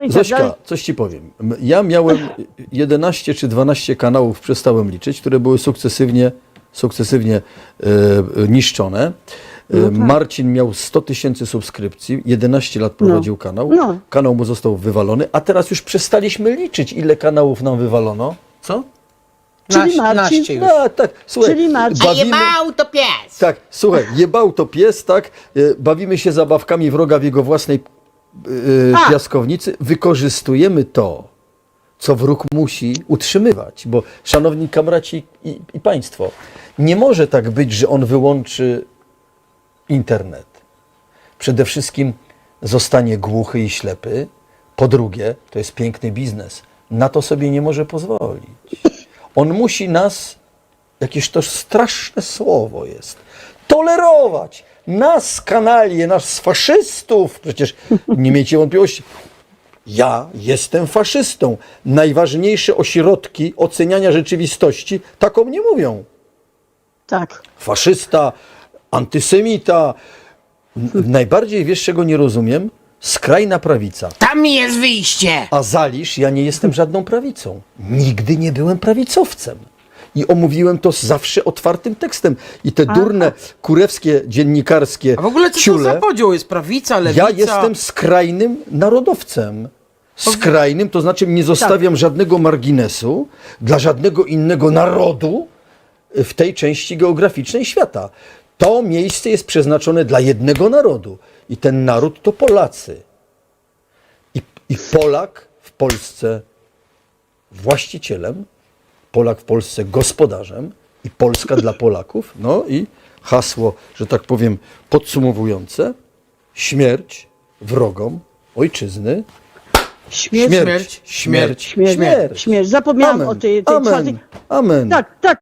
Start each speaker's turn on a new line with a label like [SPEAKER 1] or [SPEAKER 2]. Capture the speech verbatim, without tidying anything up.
[SPEAKER 1] I tak
[SPEAKER 2] Zośka,
[SPEAKER 1] dalej.
[SPEAKER 2] coś ci powiem. M- Ja miałem jedenaście czy dwanaście kanałów, przestałem liczyć, które były sukcesywnie, sukcesywnie e, niszczone. E,
[SPEAKER 1] No tak.
[SPEAKER 2] Marcin miał sto tysięcy subskrypcji, jedenaście lat prowadził
[SPEAKER 1] No.
[SPEAKER 2] kanał.
[SPEAKER 1] No.
[SPEAKER 2] Kanał mu został wywalony, a teraz już przestaliśmy liczyć, ile kanałów nam wywalono. Co?
[SPEAKER 1] Czyli
[SPEAKER 3] Naś-
[SPEAKER 1] Marcin-
[SPEAKER 3] naście już.
[SPEAKER 2] No, tak, słuchaj,
[SPEAKER 1] Czyli Marcin-
[SPEAKER 3] A
[SPEAKER 2] bawimy...
[SPEAKER 3] jebał to pies!
[SPEAKER 2] Tak, słuchaj, jebał to pies, tak? E, Bawimy się zabawkami wroga w jego własnej e,
[SPEAKER 1] A!
[SPEAKER 2] piaskownicy. Wykorzystujemy to, co wróg musi utrzymywać. Bo, szanowni kamraci i, i państwo, nie może tak być, że on wyłączy internet. Przede wszystkim zostanie głuchy i ślepy. Po drugie, to jest piękny biznes. Na to sobie nie może pozwolić. On musi nas, jakieś to straszne słowo jest, tolerować. Nas, kanalie, nas, faszystów. Przecież nie miejcie wątpliwości. Ja jestem faszystą. Najważniejsze ośrodki oceniania rzeczywistości tak o mnie mówią.
[SPEAKER 1] Tak.
[SPEAKER 2] Faszysta, antysemita. N- Najbardziej, wiesz czego nie rozumiem? Skrajna prawica.
[SPEAKER 3] Tam jest wyjście!
[SPEAKER 2] A zalisz, ja nie jestem żadną prawicą. Nigdy nie byłem prawicowcem. I omówiłem to zawsze otwartym tekstem. I te durne, kurewskie, dziennikarskie
[SPEAKER 3] A w ogóle co to
[SPEAKER 2] ciule,
[SPEAKER 3] za podział jest? Prawica, lewica?
[SPEAKER 2] ja jestem skrajnym narodowcem. Skrajnym, to znaczy nie zostawiam żadnego marginesu dla żadnego innego narodu w tej części geograficznej świata. To miejsce jest przeznaczone dla jednego narodu. I ten naród to Polacy. I, i Polak w Polsce właścicielem, Polak w Polsce gospodarzem i Polska dla Polaków. No i hasło, że tak powiem, podsumowujące: śmierć wrogom ojczyzny.
[SPEAKER 1] Śmierć.
[SPEAKER 2] Śmierć, śmierć,
[SPEAKER 1] Śmierć.
[SPEAKER 2] śmierć.
[SPEAKER 1] Śmierć. Zapomniałam
[SPEAKER 2] Amen.
[SPEAKER 1] o tej, tej
[SPEAKER 2] Amen.
[SPEAKER 1] czwartej.
[SPEAKER 2] Amen.
[SPEAKER 1] Tak, tak.